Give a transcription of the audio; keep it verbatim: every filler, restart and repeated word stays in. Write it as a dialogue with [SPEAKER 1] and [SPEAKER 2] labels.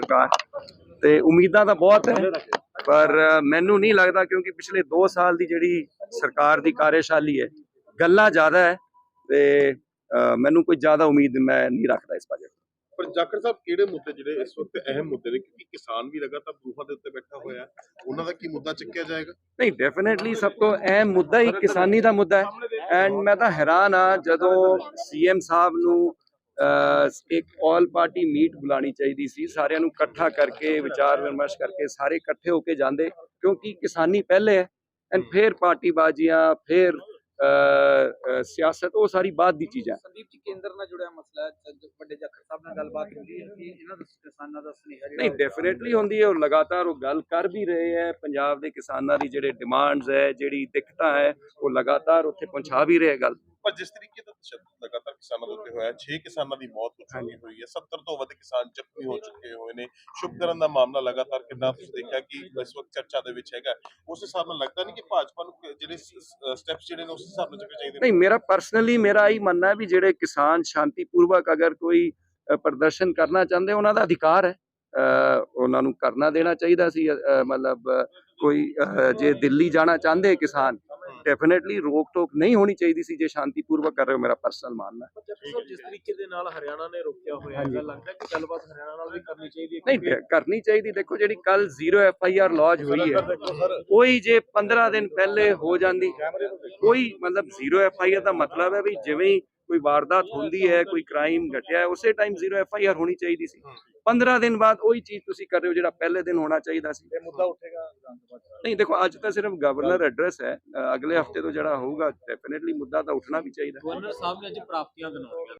[SPEAKER 1] सरकार ते उम्मीदां तां बहुत है, पर मैनू नहीं लगता क्योंकि पिछले दो साल की जिहड़ी सरकार की कार्यशाली है गल्लां ज़्यादा है ते मैनू कोई ज़्यादा उम्मीद मैं नहीं रखता इस बजट।
[SPEAKER 2] पर जाखड़ साहब किहड़े मुद्दे जिहड़े इस वक्त अहम मुद्दे ने क्योंकि किसान भी लगातार बरूफा दे उत्ते बैठा होया उन्हां दा की मुद्दा चुक्या जाएगा?
[SPEAKER 1] नहीं, डेफिनेटली सब तो अहम मुद्दा ही किसानी का मुद्दा है एंड मैं तो हैरान हाँ जदों सी एम साहब नू एक ऑल पार्टी मीट बुलानी चाहिए सी, सारिਆਂ ਨੂੰ ਇਕੱਠਾ करके विचार विमर्श करके सारे इकट्ठे होके जाते क्योंकि किसानी पहले है एंड फिर पार्टीबाजियां फिर सियासत वो सारी बात की चीज़ है।
[SPEAKER 3] संदीप जी केंद्र ਨਾਲ जुड़िया मसला है ਵੱਡੇ ਜਾਖੜ ਸਾਹਿਬ ਨਾਲ ਗੱਲਬਾਤ ਹੁੰਦੀ ਹੈ ਕਿ ਇਹਨਾਂ ਦਾ ਕਿਸਾਨਾਂ ਦਾ ਸੁਨੇਹਾ ਜਿਹੜਾ
[SPEAKER 1] नहीं डेफिनेटली होंदी है और लगातार वो गल कर भी रहे हैं पंजाब के किसानों की ਜਿਹੜੇ डिमांड्स है ਜਿਹੜੀ ਦਿੱਕਤਾਂ है वो लगातार उत्थे पहुंचा भी रहे गल।
[SPEAKER 2] पर जिस तरीके का तशद्दुद लगातार किसानों के उत्ते होया छे किसानों की मौत हो चुकी हुई है सत्तर तो वध किसान जख्मी हो चुके हुए ने शुभकरण का मामला लगातार कितना तुसीं देखा कि इस वक्त चर्चा दे विच हैगा उस हिसाब नाल लगता नहीं कि भाजपा नूं जिहड़े स्टैप्स जिहड़े ने उस हिसाब नाल चुके चाहिए?
[SPEAKER 1] नहीं, मेरा पर्सनली मेरा यही मानना है भी जिहड़े किसान शांतिपूर्वक अगर कोई प्रदर्शन करना चाहते उन्हां दा अधिकार है, उन्हां नूं करना देना चाहिए सी। मतलब कोई जे दिल्ली जाना चाहते किसान डेफिनेटली रोक टोक नहीं होनी चाहिए सी जे शांतिपूर्वक कर रहे हो, मेरा पर्सनल मानना है।
[SPEAKER 3] जिस तरीके ਦੇ ਨਾਲ ਹਰਿਆਣਾ ਨੇ ਰੋਕਿਆ ਹੋਇਆ ਹੈ ਲੱਗਦਾ ਕਿ ਗੱਲਬਾਤ ਹਰਿਆਣਾ ਨਾਲ ਵੀ ਕਰਨੀ ਚਾਹੀਦੀ ਹੈ?
[SPEAKER 1] नहीं करनी चाहिए। देखो जी कल zero F I R lodge हुई है कोई जे पंद्रह दिन पहले हो जाती कोई मतलब जीरो एफ आई आर का मतलब है भी जिवें ही कोई वारदात होंदी है कोई क्राइम घटिया है उस time zero F I R होनी चाहिए सी। पंद्रह दिन बाद वही चीज तुसी कर रहे हो जो पहले दिन होना चाहिए सी।
[SPEAKER 3] ਮੁੱਦਾ ਉੱਠੇਗਾ
[SPEAKER 1] नहीं देखो अज तो सिर्फ गवर्नर एड्रेस है, अगले हफ्ते तो जरा होगा डेफिनेटली मुद्दा तो उठना भी चाहिए।
[SPEAKER 3] ਗਵਰਨਰ ਸਾਹਿਬ ਨੇ ਅੱਜ ਪ੍ਰਾਪਤੀਆਂ ਗਿਣਾਈਆਂ